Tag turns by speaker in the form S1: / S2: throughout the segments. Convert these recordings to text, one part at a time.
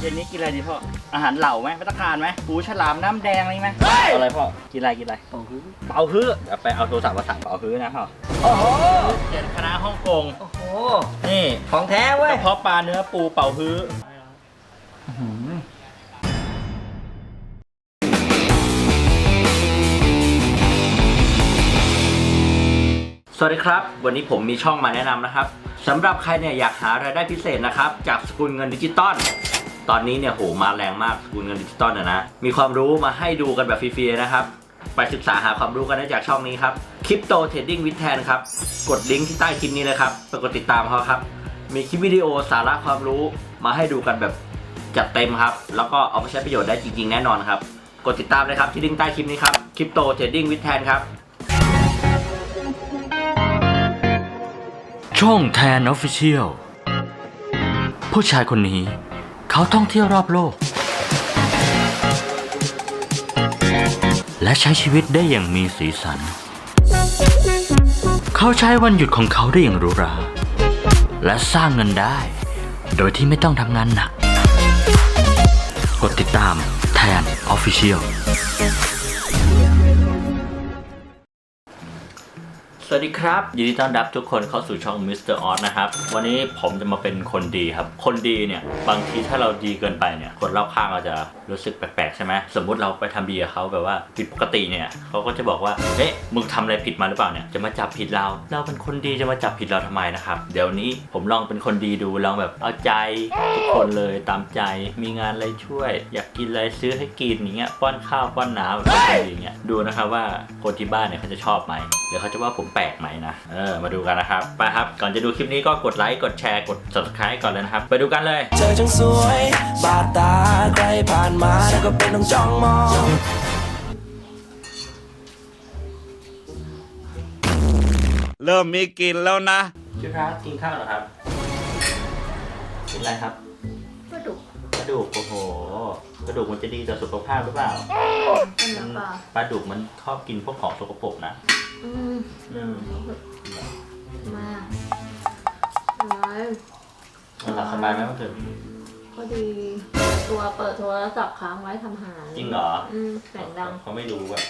S1: เย็นนี้กินอะไรดีพ่ออาหารเหล่าไหมภัตตาคารไหมปูฉลามน้ำแดงอะไรไหมอะไรพ่อกินอะไรเป่าฮื้อเดี๋ยวไปเอาโทรศัพท์มาสั่งเป่าฮื้อนะพ่อโอ้โหเจ็ดคณะฮ่องกงโอ้โหนี่
S2: ของแท้เว้ย
S1: กระเพาะปลาเนื้อปูเป่าฮื้อสวัสดีครับวันนี้ผมมีช่องมาแนะนำนะครับสำหรับใครเนี่ยอยากหารายได้พิเศษนะครับจากสกุลเงินดิจิตอลตอนนี้เนี่ยโหมาแรงมากสกุลเงินดิจิตอลนะมีความรู้มาให้ดูกันแบบฟรีๆนะครับไปศึกษาหาความรู้กันได้จากช่องนี้ครับ Crypto Trading with Tan ครับกดลิงก์ที่ใต้คลิปนี้เลยครับไปกดติดตามเขาครับมีคลิปวิดีโอสาระความรู้มาให้ดูกันแบบจัดเต็มครับแล้วก็เอาไปใช้ประโยชน์ได้จริงๆแน่นอนครับกดติดตามเลยครับที่ลิงก์ใต้คลิปนี้ครับ Crypto Trading with Tan ครับช่องแทน Official ผู้ชายคนนี้เขาท่องเที่ยวรอบโลกและใช้ชีวิตได้อย่างมีสีสันเขาใช้วันหยุดของเขาได้อย่างหรูหราและสร้างเงินได้โดยที่ไม่ต้องทำงานหนักกดติดตามแทน Officialสวัสดีครับยินดีต้อนรับทุกคนเข้าสู่ช่อง Mr. Oz นะครับวันนี้ผมจะมาเป็นคนดีครับคนดีเนี่ยบางทีถ้าเราดีเกินไปเนี่ยคนรอบข้างเราจะรู้สึกแปลกๆใช่ไหมสมมุติเราไปทำดีกับเขาแบบว่าผิดปกติเนี่ยเขาก็จะบอกว่าเอ๊ะมึงทำอะไรผิดมาหรือเปล่าเนี่ยจะมาจับผิดเราเป็นคนดีจะมาจับผิดเราทำไมนะครับเดี๋ยวนี้ผมลองเป็นคนดีดูลองแบบเอาใจทุกคนเลยตามใจมีงานอะไรช่วยอยากกินอะไรซื้อให้กินอย่างเงี้ยป้อนข้าวป้อนน้ำแบบคนดีอย่างเงี้ยดูนะครับว่าคนที่บ้านเนี่ยเขาจะชอบไหมหรือเขาจะว่าผมแปลกไหมนะมาดูกันนะครับไปครับก่อนจะดูคลิปนี้ก็กดไลค์กดแชร์กด subscribe ก่อนเลยนะครับไปดูกันเลย
S3: เธอจังสวยบาดตาใครผ่านมาแล้วก็เป็นต้องจ้องมอง
S4: เริ่มมีกลิ่นแล้วนะ
S1: พี่พระกินข้าวเหรอครับกินอะไรครับกระดูกโอ้โหกระดูกมันจะดีต่อสุขภาพหรือเปล่าปลาดุกมันชอบกินพวกของสกปรกนะ
S5: มาอะไร
S1: มันหลับสบายไหมเมื่อคืน
S5: ก็ดีตัวเปิดโทรศัพท์ค้างไว้ทำหา
S1: จริงเหรอ
S5: เสียงดัง
S1: เขาไม่รู้แบบ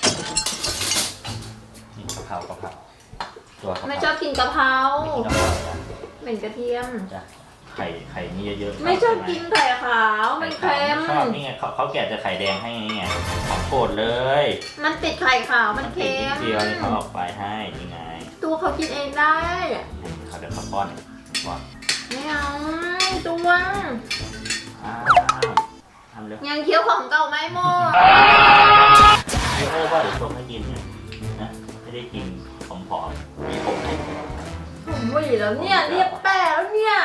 S1: นี่กะเพราตัว
S5: ไม่ชอบกินกะเพราเหม็นกระเทียม
S1: ไข่นี่เยอะ
S5: ๆไม่ชอบกินไข่ขาวมันเค็ม
S1: ชอบนี่ไงเขาแกะจะไข่แดงให้ไงของโปรดเลย
S5: มันติดไข่ขาวมันเค็ม
S1: เดียวนี่เขาออกไปให้ยังไง
S5: ตัวเขากินเองได้
S1: เขาเดี๋ยวเขาป้อน
S5: ไม่เอาตัว
S1: ทำเร็ว
S5: ยังเคี้ยวของเก่าไม่หมด
S1: ไอโอ้ว่าเดี๋ยวต้มให้กินเนี่ยนะไม่ได้กินผอมๆมีผมให้
S5: ผมหวีแล้วเนี่ยเรียบแปะแล้วเนี่ย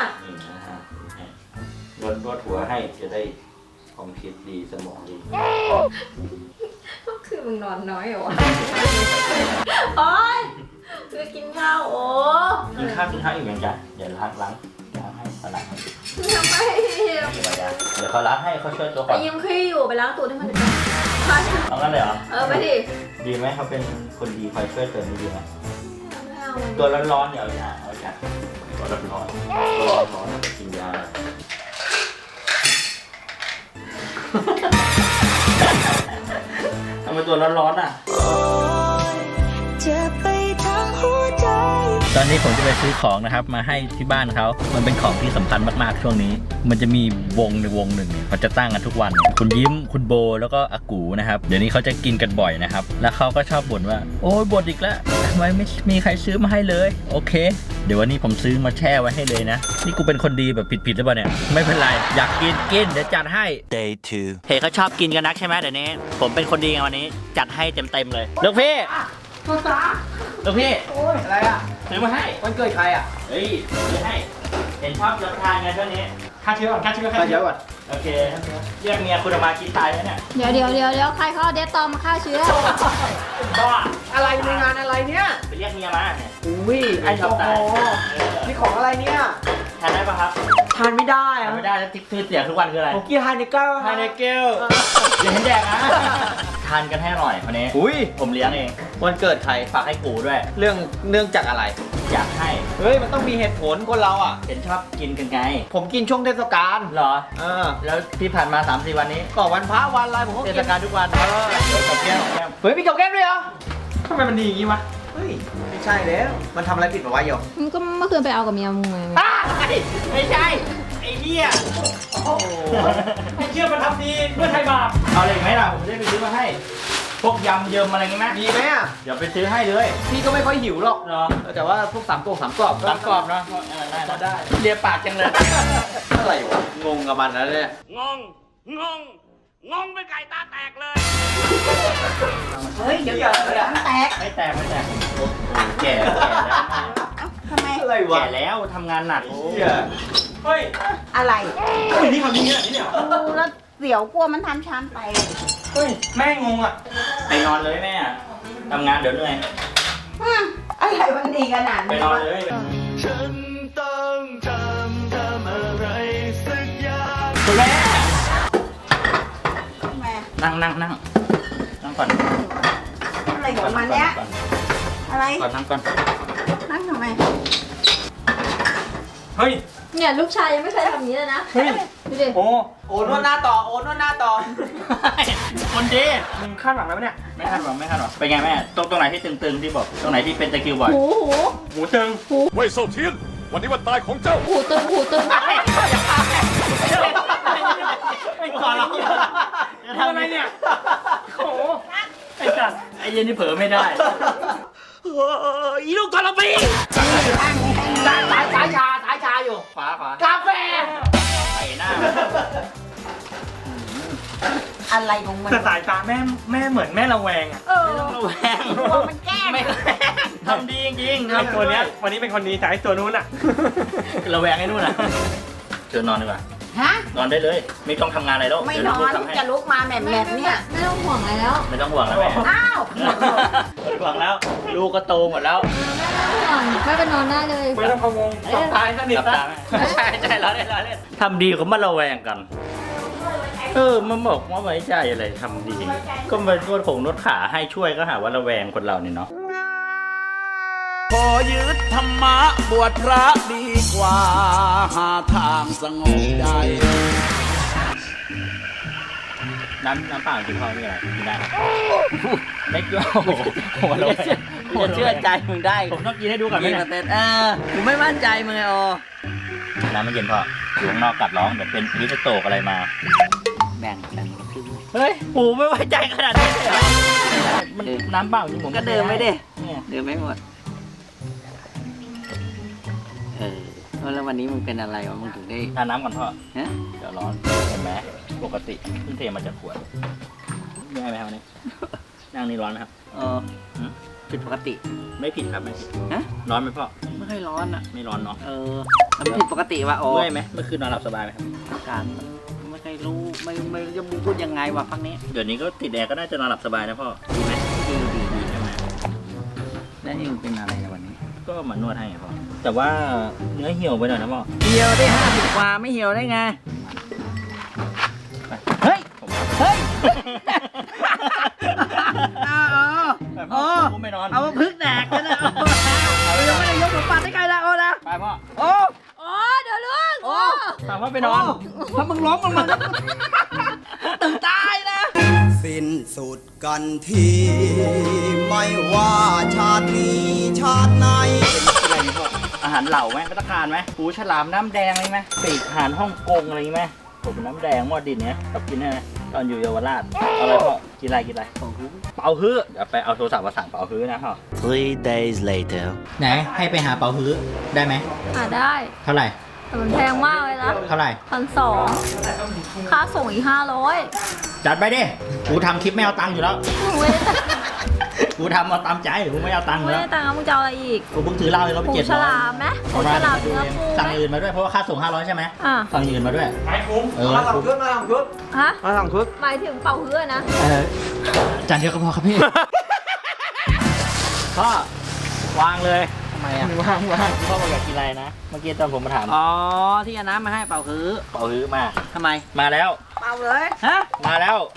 S1: นวดหัวให้จะได้ความคิดดีสมองดี
S5: ก็คือมึงนอนน้อยเหรอวะโอ๊ยคือกินข้าวโอ้
S1: กินข้าวอีกอย่างจ้ะเดี๋ยวล้างให้สลัดให้
S5: ทำไม
S1: เดี๋ยวเขาล้างให้เขาช่วยตัวก่อน
S5: ยิ้มขี้อยู่ไปล้างตูดให้มัน
S1: เอางั้นเลยเหรอ
S5: ไปดิ
S1: ดีไหมเขาเป็นคนดีคอยช่วยเติมดีไหมตัวร้อนๆเดี๋ยวเอาจ้ะตัวร้อนกินยาทำไมตัวร้อนๆอ่ะตอนนี้ผมจะไปซื้อของนะครับมาให้ที่บ้านเขามันเป็นของที่สำคัญมากๆช่วงนี้มันจะมีวงหนึ่งเนี่ยเขาจะตั้งกันทุกวันคุณยิ้มคุณโบแล้วก็อากูนะครับเดี๋ยวนี้เขาจะกินกันบ่อยนะครับแล้วเขาก็ชอบบ่นว่าโอ้ยบ่นอีกแล้วทำไมไม่มีใครซื้อมาให้เลยโอเคเดี๋ยววันนี้ผมซื้อมาแช่ไว้ให้เลยนะนี่กูเป็นคนดีแบบผิดหรือเปล่าเนี่ยไม่เป็นไรอยากกินเดี๋ยวจัดให้
S3: Day 2
S1: เฮ้เขาชอบกินกันนักใช่ไหมเดี๋ยวนี้ผมเป็นคนดีไงวันนี้จัดให้เต็มเลยลูกพี่ลูกพี่
S2: โอ้ยอะไรอ่ะ
S1: ซื้อมาให้
S2: วันเกิดใครอ่ะ
S1: เฮ้ยซื้อให้เห็นชอบรับประทานไงช่วงนี้
S2: ฆ่าเชื้อก่อน
S1: โอเคเรียกเมียคุณมากินตายแล้วเนี่ย
S5: เดี๋ยวใครเขาเดตตอมมาฆ่าเชื้อ
S1: บ้า
S2: อะไรในงานอะไรเนี่ย
S1: ไปเรียกเมียมาเนี่ย
S2: อุ้ยไอ้ชอบตายนี่ของอะไรเนี่ย
S1: ทานได้ปะครับ
S2: ทานไม่ได้
S1: ไม่ได้แล้วที่เสียทุกวันคืออะไร
S2: ผมกินไฮเนเกิล
S1: อย่าเห็นแดกนะทานกันให้อร่อยวันนี้
S2: อุ้ย
S1: ผมเลี้ยงเอง
S2: วันเกิดใคร
S1: ฝากให้กูด้วย
S2: เรื่องจากอะไร
S1: อยากให้
S2: เฮ้ยมันต้องมีเหตุผลคนเราอ่ะ
S1: เห็นชอบกินกันไง
S2: ผมกินช่วงเทศกาล
S1: เหรอ
S2: แล้ว
S1: ที่ผ่านมา 3-4 วันนี้
S2: ก็วันพระวันอะไรผมก็
S1: เท
S2: กิน
S1: ศกาลทุกวัน
S2: เออ
S1: เดี๋ยวกับแก้มกับแก้ม
S2: เฮ้ยมีกับแก้มด้วยเหรอทำไมมันดีอย่างงี้วะเฮ้ยไม่ใช่แล้วมันทำอะไรผิดมาวะโย
S5: มึงก็เมื่อคืนไปเอากับเมียมึงไง
S1: ไม่ใช่ ไอ้เหี้ย
S2: ไม่เชื่อมันทำดีเพื่อไทยบาป
S1: เอาอะไรอีกไหมล่ะ ผมจะได้ไปซื้อมาให้ พวกยำเยิมอะไรงี้ไหม
S2: มีไหมอ่ะ
S1: เดี๋ยวไปซื้อให้เลย
S2: พี่ก็ไม่ค่อยหิวหรอก
S1: เหรอ
S2: แต่ว่าพวกสามกรอบ
S1: สามกรอบเนาะได้ได้เรียปากจังเลย
S2: อะไรวะงงกับมันแล้วเนี่ย
S4: งงเป็นไก่ตาแตกเลย
S5: เฮ้ยเดี๋ยวมันแตก
S1: ไม่แตกโอ้โหแก่แล้ว
S5: ทำไม
S2: อะไรวะ
S1: แก่แล้วทำงานหนัก
S2: เหี้ยเฮ้ย
S5: อะไร
S2: นี่เขามีเนี่ยนี่เนี่ย
S5: ดูแล้วเสียวกลัวมันทำช้ำไป
S2: เฮ้ยแม่งงอ่ะ
S1: ไปนอนเลยแม่ทำงานเดี๋ยวเหนื่อย
S5: อะไรมันดีขนาด
S1: ไป
S5: นี้
S1: นอน
S5: วะ
S1: เลย
S3: ฉันต้องทำอะไรสักอย่าง
S1: คุณแม่
S5: ทำไม
S1: นั่งก่อน
S5: อะไรของมันเนี้ยอะไร
S1: นั่งก่อน
S5: นั่งทำไม
S2: เฮ้ย
S5: เนี่ยลูกชายยังไม่เคยทำอย่างนี้เลยนะ
S2: เฮ้ย
S5: ดูดิ
S2: โอ้นวดหน้าต่อโอนวดหน้าต่อ
S1: คนดี
S2: มึงคาดหวังแล้วเนี่ย
S1: ไม่คาดหวังเป็นไงแม่ตรงไหนที่ตึงๆที่บอกตรงไหนที่เป็นตะคริวบ่อย
S5: หู
S2: หมูตึง
S4: เว่ยเซาเทียน วันนี้วันตายของเจ้า
S5: หูตึง
S1: ไม่ขอร้อง
S2: ทำอะไรเนี่ยโอ้โหไอ้สัตว์
S1: ไอ้เย็นนี่เผลอไม่ได้
S2: อีลูกกระปีสายชาอยู่
S1: ขวาก
S2: าแฟ
S1: ไปหน้า
S5: อะไรของมัน
S2: แต่สายตาแม่เหมือนแม่ระแวงอ่ะ
S5: เออ
S1: ระแวง
S5: กลัวมันแกล้ง
S1: ไม่ทำดีจริงๆ
S2: ไอ้ตัวเนี้ยวันนี้เป็นคนดีแต่ไอ้ตัวนู้นอ่ะ
S1: ระแวงไอ้นู่นนะเชิญนอนดีกว่า
S5: ฮะ
S1: นอนได้เลย ไม่ต้องทำงานอะไรแล้ว
S5: ไม่
S1: เดี๋ยวน
S5: อน
S1: ทำให้
S5: จะลุกมาแหม่มเนี่ย
S6: ไม่ต้องห่วงอะไรแล้ว
S1: ไม่ต้องห่วงนะแม่
S5: อ้าว
S1: ไม่ห่วงแล้ว ลูกก็โตหมดแล้ว
S6: ไม่เป็นนอนได้เลย
S2: ไม่ต้องพะวงสองตายสนิท
S1: หลับ
S2: นะ
S1: ตาไหมใช่เราเล่นทำดีเขามาระแวงกัน มันบอกว่าไว้ใจอะไรทำดี ก็มานวดนวดขาให้ช่วยก็หาว่าระแวงคนเรานี่เนาะ
S4: ขอยึดธรรมะบวชพระดีกว่า หาทางสงบใจ
S1: น้ำเปล่ากินพอไม่เป็นไรกินได้ครับไม่เกี่ยวโอ้โหเรา
S2: เชื่อใจมึงได้
S1: ผมต้องกินให้ดูก่อนไหมเนี่ย
S2: กูไม่มั่นใจมึงไงอ๋อ
S1: น้ำมันเย็นพออยู่ข้างนอกกัดร้องเดี๋ยวเป็นวิสโตกอะไรมา
S2: แบ่ง
S1: เฮ้ยปูไม่ไว้ใจขนาดนี้เลยเหรอมันน้ำเปล่าจริงผม
S2: ก็เดินไม่ได้
S1: เนี่ย
S7: เดินไม่หมด แล้ววันนี้มึงเป็นอะไรวะ มึงถึงได้
S1: ทานน้ำก่อนพ่อ
S7: ฮะ
S1: เดี๋ยวร้อนเห็นไหมปกติเพิ่งเทมาจากขวดง่ายไหมครับวันนี้นั่งนี่ร้อนไหมครับ
S7: ผิดปกติ
S1: ไม่ผิดครับไม่ผิด
S7: ฮะ
S1: ร้อนไหมพ่อ
S7: ไม่ค่อยร้อนอ่ะ
S1: ไม่ร้อนเนาะ
S7: มันผิดปกติว่ะโอ้
S1: เมื่อยไหมเมื่อคืนนอนหลับสบายไหมครับ
S7: อากาศมันไม่ค่อยรู้ ไม่รู้จะพูดยังไงวะพักนี้
S1: เดี๋ยวนี้ก็ติดแอร์ก็น่าจะนอนหลับสบายนะพ่อดีไหม
S7: ดี
S1: ใช่ไหม
S7: แล้วเองเป็นอะไรในวันนี้
S1: ก็มานวดให้ไงพ่อแต่ว่าเนื้อเหี่ยวไปหน่อยนะพ่อ
S7: เหี่ยวได้50กว่าไม่เหี่ยวได้ไง เฮ้ย
S1: ผมว่า
S7: เฮ้ย
S1: ไปพ่อผมไม่นอน
S7: เอามาพึ่งแดกกันนะเอายังไม่ได้ยกหัวปัดให้ใครละโอ้นะ
S1: ไปพ่อ
S7: โอ้
S6: โอ้เดี๋ยวลูก
S7: โอ้
S1: ถามว่าไปนอน
S7: ถ้ามึงร้องมันตึงตายนะ
S8: สิ้นสุดกันทีไม่ว่าชาตินี้ชาติไหน
S1: อะไรนี่พ่ออาหารเหล่าไหมพัตตาคารไหมปูฉลามน้ำแดงอะไรไหมปีกอาหารฮ่องกงอะไรไหมผมน้ำแดงหม้อดินเนี้ยชอบกินใช่ไหมตอนอยู่เยาวราชเอาอะไรพ่อกินอะไรเป่าฮื้อเดี๋ยวไปเอาโทรศัพท์มาสั่งเป่าฮื้อนะพ่อ
S3: 3 days later
S1: ไหนให้ไปหาเป่าฮื้อได้ไหม
S6: ได้
S1: เท่าไหร่
S6: แต่มันแพงมากเลยนะ
S1: เท่าไหร่
S6: 1,200ค่าส่งอีก500
S1: จัดไปดิกูทำคลิปไม่เอาตังค์อยู่แล้ว
S6: ไม่ได้
S1: กูทำมาตามใจกูไม่เอาตังค์
S6: ไม่
S1: แล้
S6: ได้
S1: ว
S6: ตังค์มึงจะเอาอะไรอีก
S1: กูเพิ่งถือเหล้าให้เขาไป
S6: ปู
S1: 700
S6: ฉลามไหมปูฉลามเนื้อปู
S1: สั่ง
S6: ไหม
S1: อื่นมาด้วยเพราะว่าค่าส่ง500ใช่ไหม
S6: อ่ะ
S1: สั่งอื่นมาด้วย
S2: ไอ้คุ้ม
S1: เออ
S2: มาสองชุดมาสองชุด
S6: ฮะ
S2: มาสองชุด
S6: หมายถึงเป่าฮื้อนะ
S1: จานเดียวก็พอครับพี่ พ่อวางเลยทำไมอ่ะวางพ่อบอกอยากกินอะไรนะเมื่อกี้ตอนผมมาถาม
S7: อ๋อ ที่เอาน้ำมาให้เป่าคือ
S1: เป่าฮื้อมา
S7: ทำไม
S1: มาแล้ว
S5: เป่าเลย
S7: ฮะ
S1: มาแล้ว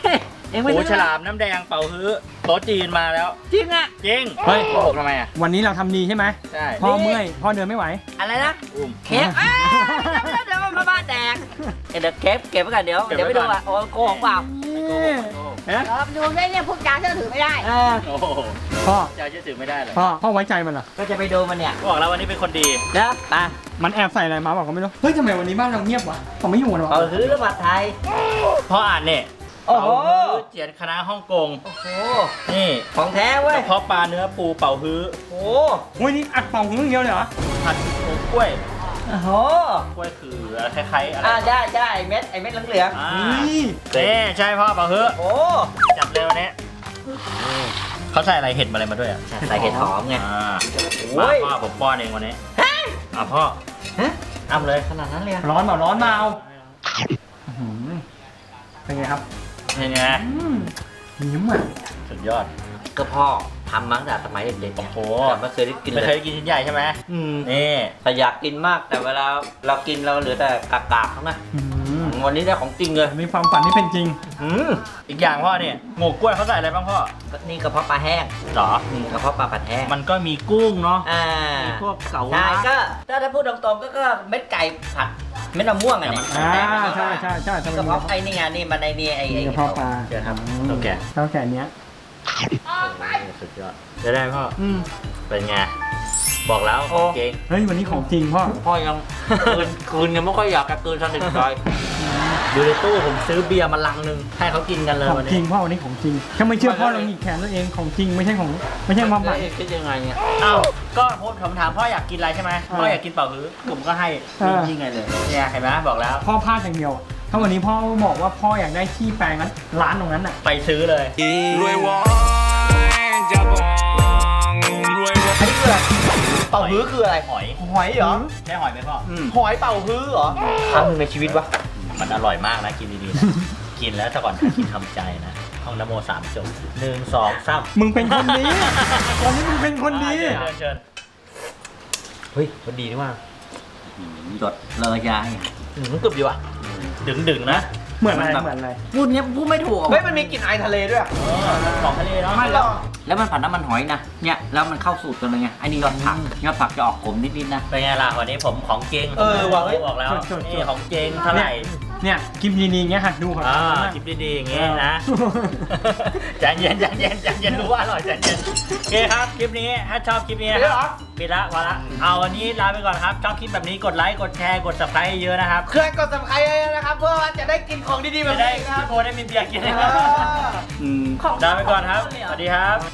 S7: เอ็งไม่
S1: หู
S7: ซื้อ
S1: ฉลามน้ำแดงเป่าฮื้อโต๊ะจีนมาแล้ว
S7: จริงอ่ะ
S1: จริง
S2: เฮ้ย
S1: โกหกทำไมอ่ะ
S2: วันนี้เราทำดีใช่ไหม
S1: ใช่
S2: พ่อเมื่อยพ่อเดินไม่ไหว
S7: อะไรนะ
S1: อุ้ม
S7: เค้กเดี๋ยวมันมาบ้านแดกเดี๋ยวเก็บไว้ก่อนเดี๋ยวไปดูอ่ะโอ้โกหกเปล่า
S2: เอ๊ะ
S6: ดูได้เนี่ยพูดจาเชื่อถือไม่ได้
S1: โอ้โห
S2: พ่อ
S1: จะเชื่อถือไม่ได้เลย
S2: พ่อไว้ใจมันเหรอ
S7: ก็จะไปดูมันเนี่ย
S1: บอกแล้ววันนี้เป็นคนดี
S7: เดี๋ยวไป
S2: มันแอบใส่อะไรมาบอกก็ไม่รู้เฮ้ยทำไมวันนี้บ้านเราเงียบวะเขาไม่อยู่กันวะ
S7: เอาฮื้อแล้วผัดไทย
S1: พ่ออ่านเนี่ย
S7: โอ้โห
S1: เป่าฮื้อเจียนคณะฮ่องกง
S7: โอ้โห
S1: นี่
S7: ของแท้เว้ย
S1: กระเพาะปลาเนื้อปูเป่าฮื้อ
S7: โอ้
S2: โอ้ยนี่อัดเป่าหูอย่างเดียวเลยเหรอ
S1: ผัดกล้วย
S7: โห
S1: กล้วยคืออะไรคล้ายๆอะไร
S7: ได้ไอ้เม็ดเหลือง
S1: อ่า
S2: นี่
S1: นี่ใช่พ่อเป่าฮื้อ
S7: ๆโอ้
S1: จัดเร็วนี้เขาใส่อะไรเห็ดมาอะไรมาด้วยอ่ะ
S7: ใส่เห็ดหอมไง
S1: อ่า
S7: โอ้ย
S1: พ่อผมป้อนเองวันนี้พ่อ
S7: ฮะ
S1: อ้ำเลย
S7: ขนาดนั้นเลยอะ
S2: ร้อนเปล่าร้อนเปล่าอื้อหือเป็นไงครับ
S1: เป็นไง
S2: ยิ้มอ่ะ
S1: สุดยอด
S7: ก็พ่อทำมาตั้งแต่สมัยเด็กๆไง
S1: โอ้โห
S7: แต่ไม่เคยได้กิน
S1: ไม่
S7: เล
S1: เคย
S7: ย
S1: ได้กินชิ้นใหญ่ใช่ไหม
S7: อืม
S1: นี่
S7: แต่อยากกินมากแต่เวลาเรากินเราเหลือแต่กากๆเขาไง
S2: อื้อหือ
S7: วันนี้ได้ของจริงเลย
S2: มีความฝันที่เป็นจริง
S1: อีกอย่างพ่อเนี่ยหมกกล้วยเขาใส่อะไรบ้างพ่อ
S7: นี่กระเพาะปลาแห้ง
S1: หรอก
S7: ระเพาะปลาผัดแห้ง
S1: มันก็มีกุ้งเนาะ
S7: อ่า
S1: มีพวกเสา
S7: ใช่
S1: ล้า
S7: ก็ถ้าพูดตรงๆก็เม็ดไก่ผัดเม็ดมะม่วงอะเนี่ย
S2: อ่าใช่ใช่ใช่ทำไม
S7: กระเพาะไอ้นี่ไงนี่มันไอ้นี่ไอ้
S2: มีกระเพาะปลา
S7: เดี๋ยวครับ
S1: โอเค
S2: เท่าแก่เนี้ย
S1: สุดยอดจะได้พ่อ
S2: อืม
S1: เป็นไงบอกแล้วเก่ง
S2: เฮ้ยวันนี้ของจริงพ่อ
S7: พ่อยังคืนยังไม่ค่อยอยากกระคืนสนิทใจ
S1: อยู่ในตู้ผมซื้อเบียร์มาลังหนึงให้เขากินกันเลย
S2: ของ
S1: วัน
S2: จริ
S1: นี้
S2: งพ่อวันนี้ของจริงถ้าไม่เชื่อพ่อลองหยิกแขนตัวเองของจริงไม่ใช่ของไม่ใช่ความฝัน
S7: คิดยังไงเนี่ย
S1: อ้าวก็ผมถามพ่ออยากกินอะไรใช่ไหมพ่ออยากกินเป่าฮื้อผมก็ให้
S2: อ่า
S1: จริงๆไงเลยเนี่ยเห็นไหมบอกแล้ว
S2: พ่อพลาดอย่างเดียวอะถ้าวันนี้พ่อบอกว่าพ่ออยากได้ที่แปลงนั้นร้านตรงนั้นอ่ะ
S1: ไปซื้อเลย
S3: รวยวอนจะบอกรวยวอน
S7: อันนี้คืออะไรเป่าฮื้อคืออะไร
S1: หอย
S7: หอยเหรอ
S1: ใช่หอยไหมพ่ออ
S7: หอยเป่าฮื้อเหรอครั้งหนึ่งในชีวิตวะ
S1: มันอร่อยมากนะกินดีๆนะ กินแล้วแต่ก่อนกินทำใจนะห้องนโมสามจบ1 2 3
S2: มึงเป็นคนดีวันนี้มึงเป็นคนดี
S1: เชิญ
S7: เฮ้ยมันดีนี่ว่าหยดเลยยายกึบดีว่ะ
S1: ดึงๆนะ
S2: เหมือนอะไรเหมือนอะไร
S7: พูดเนี้ยพูดไม่ถูกเฮ้ยมันมีกลิ่นไอทะเลด้วย
S1: ของทะเลเนาะ
S7: ไม่แล้วแล้วมันผัดน้ำมันหอยนะเนี่ยแล้วมันเข้าสูตรกันเลยไงไอ้นี่ยอดผักจะออกขมนิดๆนะ
S1: เป็นไงล่ะวันนี้ผมของเจง
S7: ว่ะ
S1: บอกแล้ว
S2: จดๆ
S1: นี่ของเจงเท่าไหร่
S2: เนี่ยกิมดีๆอย่างเงี้ยหัดดูของ
S1: อ่า
S2: เขามาก
S1: จิบดีๆอย่างงี้นะ ใจเย็นรู้ว่าอร่อยใจเย็นโอเคครับคลิปนี้ถ้าชอบคลิปนี้นะครับปิดละวันละเอาวันนี้ลาไปก่อนครับชอบคลิปแบบนี้กดไลค์กดแชร์กด subscribe เยอะนะครับ
S7: เคยกด subscribe นะครับเพื่อว่าจะได้กินของดีๆแบ
S1: จะ
S7: บ
S1: ได้
S7: นี้นะครั
S1: พี่
S7: บ
S1: โพได้มีเบียร์กินนะครับลาไปก่อนครับสวัสดีครับ